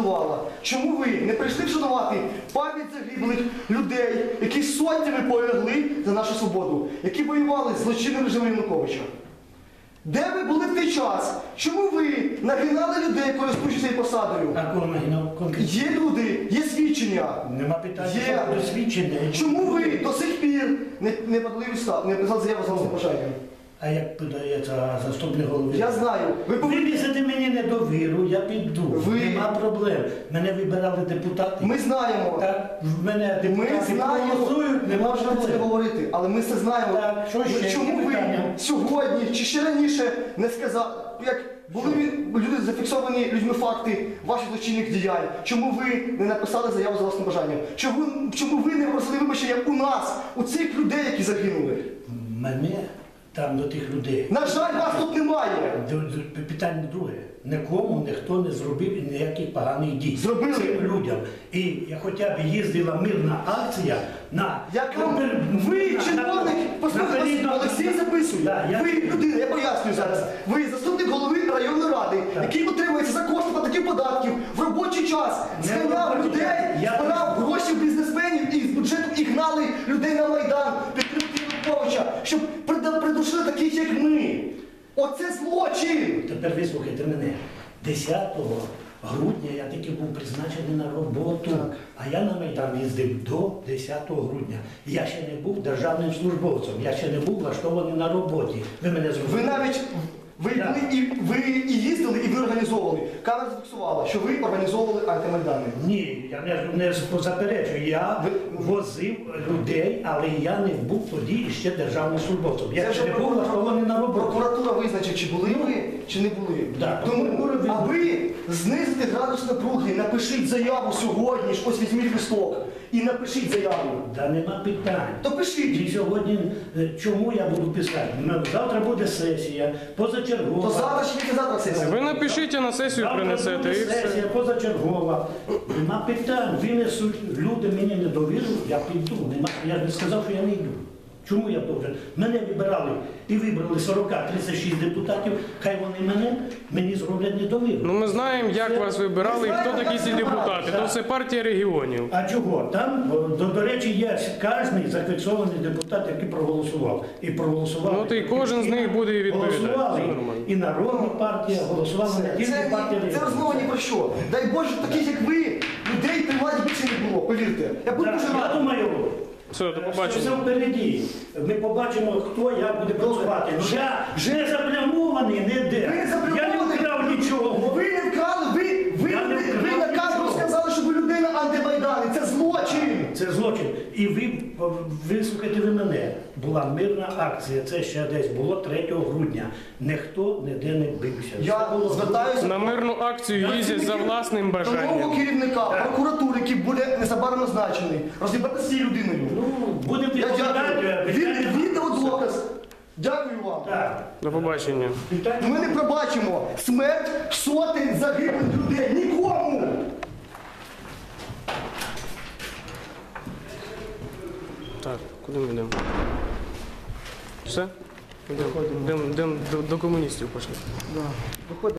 вшанувала. Чому ви не прийшли вшанувати пам'ять загиблих людей, які сотнями полягли за нашу свободу, які воювали з злочинним режимом Януковича? Де ви були в той час? Чому ви нагинали людей, користуючись цією посадою? А кого нагинав конкретно? Є люди, є свідчення. Нема питання Є. до свідчення. Чому ви до сих пір не подали не написали заяву за власним бажанням? А як подається заступник голови? Я знаю. Ви повинні... Вивісити мені недовіру, я піду. Нема проблем. Мене вибирали депутати. Ми знаємо. Так, в мене Ми депутати знаємо, проголосують, не нема можемо це проблем. говорити, але ми це знаємо. Так, що ще? Чому Які ви питання? сьогодні чи ще раніше не сказали, як були люди зафіксовані людьми факти ваших злочинних діянь, чому ви не написали заяву за власним бажанням? Чому ви не просили вибачення у нас, у цих людей, які загинули? Мене там до тих людей. На жаль, вас тут немає. Питання друге. Нікому ніхто не зробив ніяких поганих дій. Зробили. Цим людям. І я хоча б їздила мирна акція на... Ви, чиновник, послухайте, Олексій записує. Да, Ви людина, я пояснюю зараз. Ви заступник голови районної ради, який утримується за кошти платників податків в робочий час. Зганяв людей, збирав гроші в бізнесменів і з бюджету і гнали людей на Майдан, підтримки Януковича, щоб придушили таких, як ми. Оце злочин! Тепер вислухайте мене. 10 грудня я таки був призначений на роботу, а я на Майдан їздив до 10 грудня. Я ще не був державним службовцем, я ще не був влаштований на роботі. Ви мене зрозуміли? Ви навіть ви і їздили, і ви організовували. Камера зафіксувала, що ви організовували антимайдани. Ні, я не заперечую. Я возив людей, але я не був тоді ще державним службовцем. Я ще не був влаштований на роботу. Прокуратура визначить, чи були ви, чи не були. Да, Тому, а ви знизите градус напруги, напишіть заяву сьогодні, ж ось візьміть листок і напишіть заяву. Та нема питань. То пишіть. І сьогодні, чому я буду писати? Завтра буде сесія, позачергова. То завтра чи післязавтра сесія? Ви напишіть, а на сесію Завтра принесете буде і все. сесія, позачергова. Нема питань. Винесуть люди мені недовіру, я піду. Я ж не сказав, що я не йду. Чому я должен? Мене вибирали і вибрали 40-36 депутатів, хай вони мені зроблять недовіру. Ну ми знаємо, як вас вибирали і хто такі ці депутати. То це партія регіонів. А чого? Там, до речі, є кожен зафіксований депутат, який проголосував. І проголосував. Ну, то і кожен з них буде і відповідати. Голосували Це нормально. і Народна партія, голосувала не тільки партія Це регіонів. розмова ні про що. Дай Боже, таких як ви, людей при владі більше не було, повірте. Я буду дуже Я радий. думаю, Все, до що побачення. це впереді. Ми побачимо, хто як буде працювати. Ну, я не заплямований ніде. Ви Я не заплямований. вкрав нічого. Ви не вкрали, ви на камеру сказали, що ви людина антимайдану. Це злочин. Це злочин. І вислухайте ви мене. Була мирна акція, це ще десь було 3 грудня. Ніхто ніде не бився. Я звертаюся На мирну акцію їздять за власним до нового бажанням. керівника прокуратури, який буде незабаром назначений. Розібратися з цією людиною. Ну, будемо Я відповідати. дякую. Відеодоказ. Дякую вам. Так. До побачення. Ми не пробачимо смерть сотень загиблих людей. Нікому! Так, куди ми йдемо? Все? Йдемо до комуністів пішли.